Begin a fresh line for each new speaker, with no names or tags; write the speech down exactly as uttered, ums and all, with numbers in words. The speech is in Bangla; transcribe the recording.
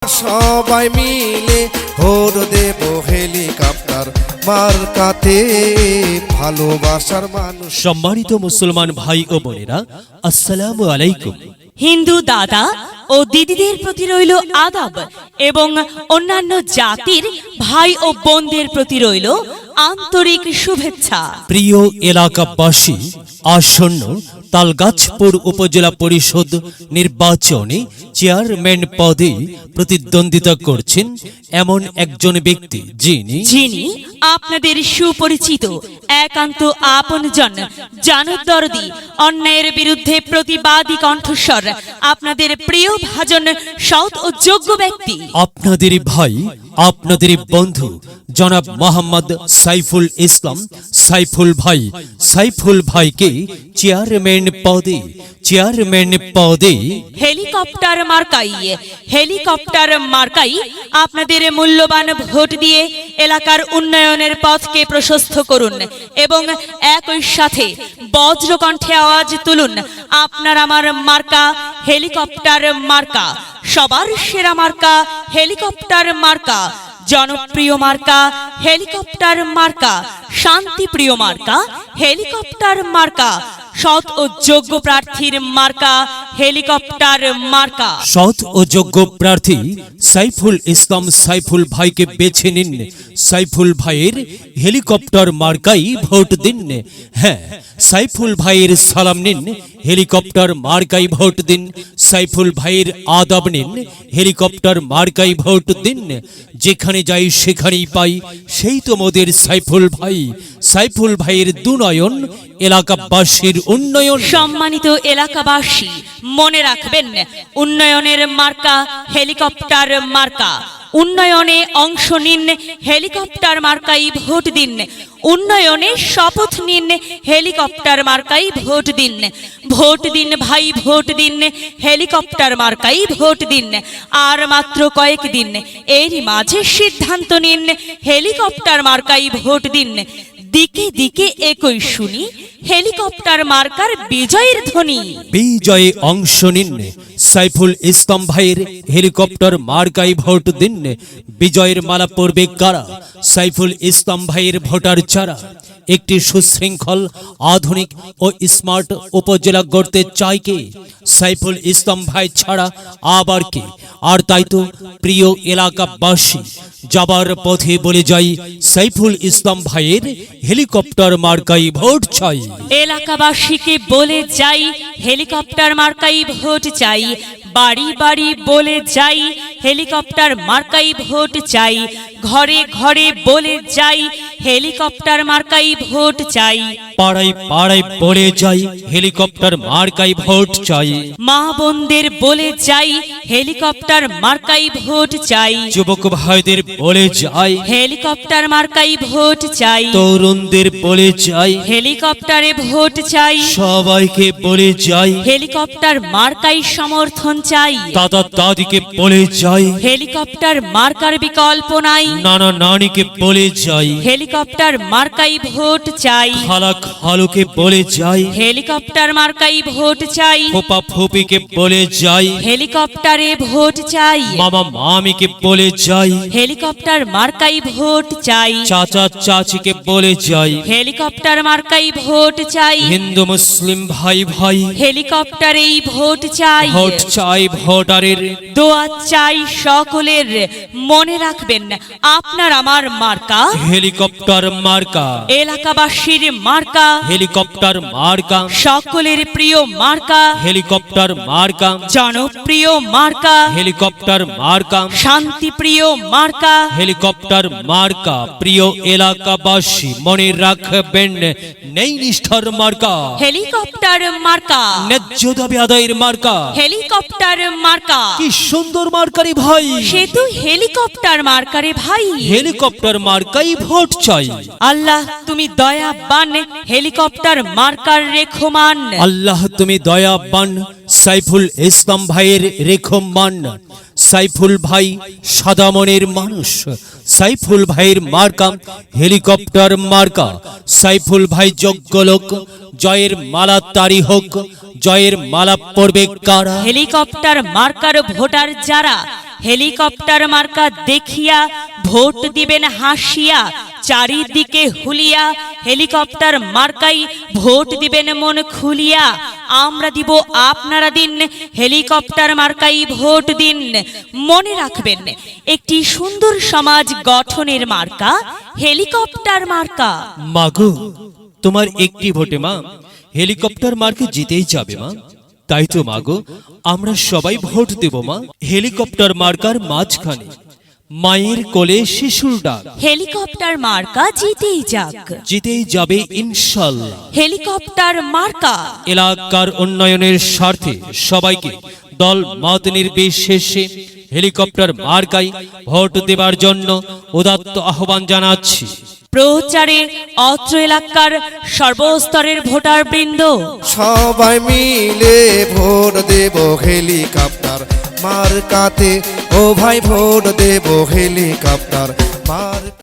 সবাই মিলে ভোট দেব হেলিকপ্টার মার্কাতে, ভালোবাসার মানুষ।
সম্মানিত মুসলমান ভাই ও বোনেরা, আসসালামু আলাইকুম।
হিন্দু দাদা ও দিদিদের প্রতি রইল আদাব এবং অন্যান্য জাতির ভাই ও বোনদের প্রতি রইল আন্তরিক শুভেচ্ছা।
প্রিয় এলাকাবাসী, আসন্ন তালগাছপুর উপজেলা পরিষদ নির্বাচনে চেয়ারম্যান পদে প্রতিদ্বন্দ্বিতা করছেন এমন একজন ব্যক্তি যিনি
যিনি আপনাদের সুপরিচিত একান্ত আপনজন, জানদরদি, অন্যায়ের বিরুদ্ধে প্রতিবাদী কণ্ঠস্বর, আপনাদের প্রিয় ভাজন, সৎ ও যোগ্য ব্যক্তি,
আপনাদের ভাই, আপনাদের বন্ধু জনাব মোহাম্মদ সাইফুল ইসলাম সাইফুল ভাই। সাইফুল ভাইকে চেয়ারম্যান পদে চেয়ারম্যান পদে
হেলিকপ্টার মার্কাই হেলিকপ্টার মার্কাই আপনাদের মূল্যবান ভোট দিয়ে এলাকার উন্নয়নের পথকে প্রশস্ত করুন এবং একই সাথে বজ্রকণ্ঠে আওয়াজ তুলুন, আপনার আমার মার্কা হেলিকপ্টার মার্কা, সবার সেরা মার্কা হেলিকপ্টার মার্কা, জনপ্রিয় মার্কা হেলিকপ্টার মার্কা, শান্তিপ্রিয় মার্কা হেলিকপ্টার মার্কা, সৎ ও যোগ্য প্রার্থীর মার্কা হেলিকপ্টার মার্কা।
সৎ ও যোগ্য প্রার্থী সাইফুল ইসলাম সাইফুল ভাইকে বেছে নিন। সাইফুল ভাইয়ের হেলিকপ্টার মার্কাই ভোট দিন। হ্যাঁ, সাইফুল ভাইয়ের সালাম নিন, হেলিকপ্টার মার্কাই ভোট দিন। সাইফুল ভাইয়ের আদাব নিন, হেলিকপ্টার মার্কাই ভোট দিন। যেখানে যাই সেখানেই পাই, সেই তো মোদের সাইফুল ভাই। সাইফুল ভাইয়ের দুনয়ন, এলাকাবাসীর উন্নয়ন।
সম্মানিত এলাকাবাসী, মনে রাখবেন, উন্নয়নের মার্কা হেলিকপ্টার মার্কা। উন্নয়নে অংশ নিন, হেলিকপ্টার মার্কাই ভোট দিন। উন্নয়নে শপথ নিন, হেলিকপ্টার মার্কাই ভোট দিন। ভোট দিন ভাই, ভোট দিন, হেলিকপ্টার মার্কাই ভোট দিন। আর মাত্র কয়েক দিন, এরই মাঝে সিদ্ধান্ত নিন, হেলিকপ্টার মার্কাই ভোট দিন। দিকে দিকে একই শুনি, হেলিকপ্টার মার্কার বিজয়ের ধ্বনি।
বিজয়ে অংশ নিন, সাইফুল ইসলাম ভাইয়ের হেলিকপ্টার মার্কাই ভোট দিন। বিজয়ের মালা পড়বে কারা? সাইফুল ইসলাম ভাইয়ের ভোটার যারা একটি সুশৃঙ্খল, আধুনিক ও স্মার্ট উপজেলা গড়তে চায় কে? সাইফুল ইসলাম ভাই ছাড়া আবার কে? আর তাই তো প্রিয় এলাকাবাসী, যাবার পথে বলে যাই, সাইফুল ইসলাম ভাইয়ের হেলিকপ্টার মার্কাই ভোট চাই।
এলাকাবাসীকে বলে যাই, হেলিকপ্টার মার্কাই ভোট চাই। বাড়ি বাড়ি বলে যাই, হেলিকপ্টার মার্কাই ভোট চাই। ঘরে ঘরে বলে যাই, হেলিকপ্টার মার্কাই ভোট চাই।
পাড়ায় পাড়ায় বলে যাই, হেলিকপ্টার মার্কাই ভোট চাই।
মা বোনদের বলে যাই, হেলিকপ্টার মার্কাই ভোট চাই।
যুবক ভাইদের বলে যাই,
হেলিকপ্টার মার্কাই ভোট চাই।
তরুণদের বলে যাই,
হেলিকপ্টারে ভোট চাই।
সবাইকে বলে যাই,
হেলিকপ্টার মার্কাই সমর্থন চাই।
দাদা দাদিকে বলে যাই,
হেলিকপ্টার মার্কার বিকল্প নাই।
নানা নানিকে বলে যাই,
হেলিকপ্টার মার্কাই ভোট চাই।
খালা খালুকে বলে যাই,
হেলিকপ্টার মার্কাই ভোট চাই।
ফুপা ফুপিকে বলে যাই,
হেলিকপ্টারে ভোট চাই।
মামা মামিকে বলে যাই,
হেলিকপ্টার মার্কাই ভোট চাই।
চাচা চাচিকে বলে যাই,
হেলিকপ্টার মার্কাই ভোট চাই।
হিন্দু মুসলিম ভাই ভাই
হেলিকপ্টারেই ভোট চাই।
ভোট চাই ভোটারের,
দোয়া চাই সকলের। মনে রাখবেন, আপনার আমার মার্কা
হেলিকপ্টার মার্কা।
এলাকাবাসীর মার্কা
হেলিকপ্টার মার্কা,
সকলের প্রিয় মার্কা।
হেলিকপ্টার মার্কা,
জনপ্রিয় মার্কা।
হেলিকপ্টার মার্কা,
শান্তিপ্রিয় মার্কা।
হেলিকপ্টার মার্কা। প্রিয় এলাকাবাসী, মনে রাখবেন, নেই নিষ্ঠার মার্কা,
হেলিকপ্টার মার্কা।
ন্যায্য দাবি আদায়ের মার্কা।
হেলিকপ্টার মার্কা।
কি সুন্দর মার্কারি ভাই,
সে তো হেলিকপ্টার মার্কারে ভাই।
হেলিকপ্টার মার্কাই ভোট চাই।
আল্লাহ তুমি দয়াবান, হেলিকপ্টার মার্কার রেখমান।
আল্লাহ তুমি দয়াবান, সাইফুল ইসলাম ভাইয়ের রেখমান। সাইফুল ভাই সাদা মনের মানুষ। সাইফুল ভাইয়ের মার্কা হেলিকপ্টার মার্কা। সাইফুল ভাই যোগ্য লোক, জয়ের মালা তারি হোক। জয়ের মালা পড়বে কারা?
হেলিকপ্টার মার্কার ভোটার যারা, হেলিকপ্টার মার্কা দেখিয়া ভোট দিবেন হাসিয়া, চারিদিকে হুলিয়া হেলিকপ্টার মার্কাই ভোট দিবেন মন খুলিয়া। আমরা দিব আপনারা দিন হেলিকপ্টার মার্কাই ভোট দিন। মনে রাখবেন একটি সুন্দর সমাজ গঠনের মার্কা হেলিকপ্টার মার্কা।
মাগো, তোমার একটি ভোটে মা হেলিকপ্টার মার্কে জিতেই যাবে মা। তাই তো মাগো, আমরা সবাই ভোট দেব মা হেলিকপ্টার মার্কার মাঝখানে, মায়ের কোলে শিশুর ডাক।
হেলিকপ্টার মার্কা জিতেই যাক,
জিতেই যাবে ইনশাল্লাহ।
হেলিকপ্টার মার্কা
এলাকার উন্নয়নের স্বার্থে সবাইকে দল মত নির্বিশেষে হেলিকপ্টার মার্কায় ভোট দেবার জন্য উদাত্ত আহ্বান জানাচ্ছি।
প্রচারে অত্র এলাকার সর্বস্তরের ভোটার বৃন্দ
সবাই মিলে ভোট দেব হেলিকপ্টার মার্কাতে, ও ভাই ভোট দেব হেলিকপ্টার মার্কা।